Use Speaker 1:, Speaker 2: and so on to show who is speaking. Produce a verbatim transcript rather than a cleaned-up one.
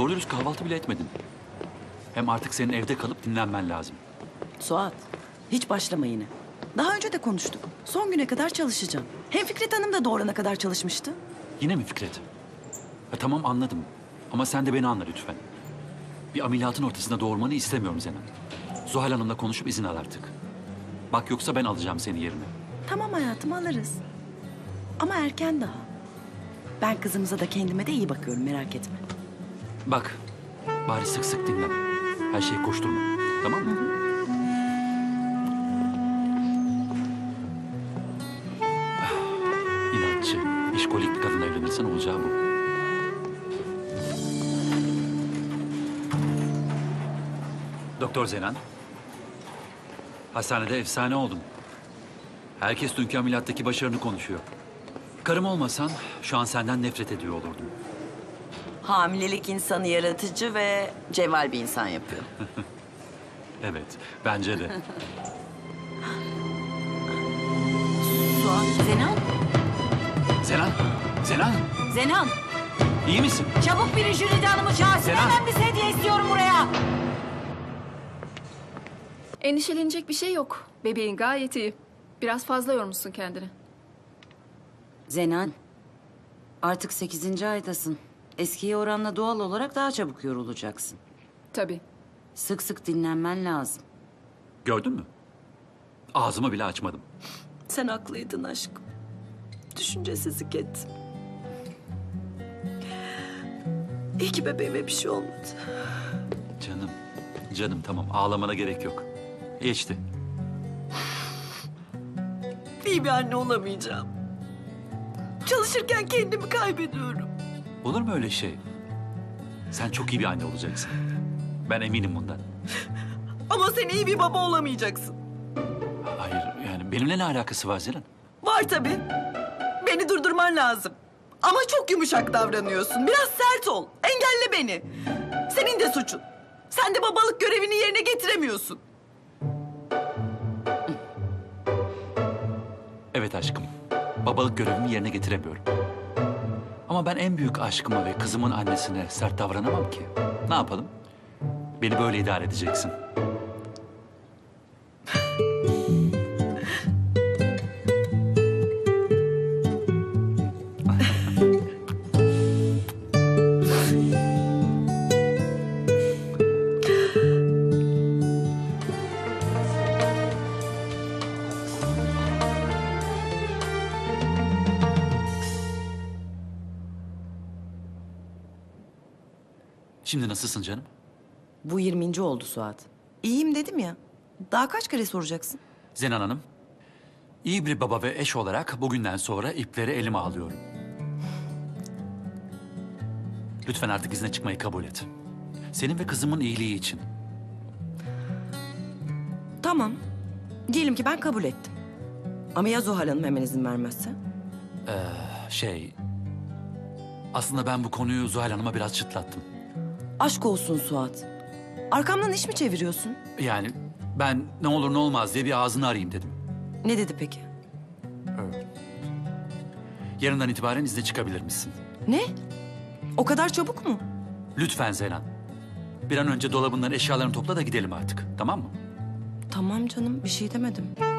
Speaker 1: Doğru dürüst kahvaltı bile etmedin. Hem artık senin evde kalıp dinlenmen lazım.
Speaker 2: Suat, hiç başlama yine. Daha önce de konuştuk. Son güne kadar çalışacağım. Hem Fikret Hanım da doğurana kadar çalışmıştı.
Speaker 1: Yine mi Fikret? Ha, tamam anladım. Ama sen de beni anla lütfen. Bir ameliyatın ortasında doğurmanı istemiyorum Zenan. Zuhal Hanım'la konuşup izin al artık. Bak yoksa ben alacağım seni yerine.
Speaker 2: Tamam hayatım, alırız. Ama erken daha. Ben kızımıza da kendime de iyi bakıyorum, merak etme.
Speaker 1: Bak, bari sık sık dinlen. Her şeyi koşturma. Tamam mı? Ah, İnatçı, işkolik bir kadınla evlenirsen olacağı bu. Doktor Zenan. Hastanede efsane oldum. Herkes dünkü ameliyattaki başarını konuşuyor. Karım olmasan şu an senden nefret ediyor olurdum.
Speaker 2: Hamilelik insanı yaratıcı ve cevval bir insan yapıyor.
Speaker 1: Evet, bence de.
Speaker 2: Suat, Zenan.
Speaker 1: Zenan, Zenan,
Speaker 3: Zenan,
Speaker 1: iyi misin?
Speaker 3: çabuk biri Jülide Hanım'ı çağırsın.
Speaker 1: Zenan.
Speaker 3: Hemen bir sedye istiyorum buraya.
Speaker 4: Endişelenecek bir şey yok. Bebeğin gayet iyi. Biraz fazla yormuşsun kendini.
Speaker 5: Zenan, artık sekizinci aydasın. Eskiye oranla doğal olarak daha çabuk yorulacaksın.
Speaker 4: Tabii.
Speaker 5: Sık sık dinlenmen lazım.
Speaker 1: Gördün mü? Ağzımı bile açmadım.
Speaker 2: Sen haklıydın aşkım. Düşüncesizlik ettim. İyi ki bebeğime bir şey olmadı.
Speaker 1: Canım, canım tamam ağlamana gerek yok. Geçti.
Speaker 2: İyi bir anne olamayacağım. Çalışırken kendimi kaybediyorum.
Speaker 1: Olur mu öyle şey? Sen çok iyi bir anne olacaksın. Ben eminim bundan.
Speaker 2: Ama sen iyi bir baba olamayacaksın.
Speaker 1: Hayır yani benimle ne alakası var Zenan?
Speaker 2: Var tabii. Beni durdurman lazım. Ama çok yumuşak davranıyorsun. Biraz sert ol. Engelle beni. Senin de suçun. Sen de babalık görevini yerine getiremiyorsun.
Speaker 1: Evet aşkım. Babalık görevimi yerine getiremiyorum. Ama ben en büyük aşkıma ve kızımın annesine sert davranamam ki. Ne yapalım? Beni böyle idare edeceksin. Şimdi nasılsın canım?
Speaker 2: Bu yirminci oldu Suat. İyiyim dedim ya. Daha kaç kere soracaksın?
Speaker 1: Zenan Hanım, iyi bir baba ve eş olarak bugünden sonra ipleri elime alıyorum. Lütfen artık izne çıkmayı kabul et. Senin ve kızımın iyiliği için.
Speaker 2: Tamam. Diyelim ki ben kabul ettim. Ama ya Zuhal Hanım hemen izin vermezse?
Speaker 1: Şey... Aslında ben bu konuyu Zuhal Hanım'a biraz çıtlattım.
Speaker 2: Aşk olsun Suat. Arkamdan iş mi çeviriyorsun?
Speaker 1: Yani ben ne olur ne olmaz diye bir ağzını arayayım dedim.
Speaker 2: Ne dedi peki?
Speaker 1: Yarından itibaren izne çıkabilir misin?
Speaker 2: Ne? O kadar çabuk mu?
Speaker 1: Lütfen Zenan. Bir an önce dolabından eşyalarını topla da gidelim artık. Tamam mı?
Speaker 2: Tamam canım, bir şey demedim.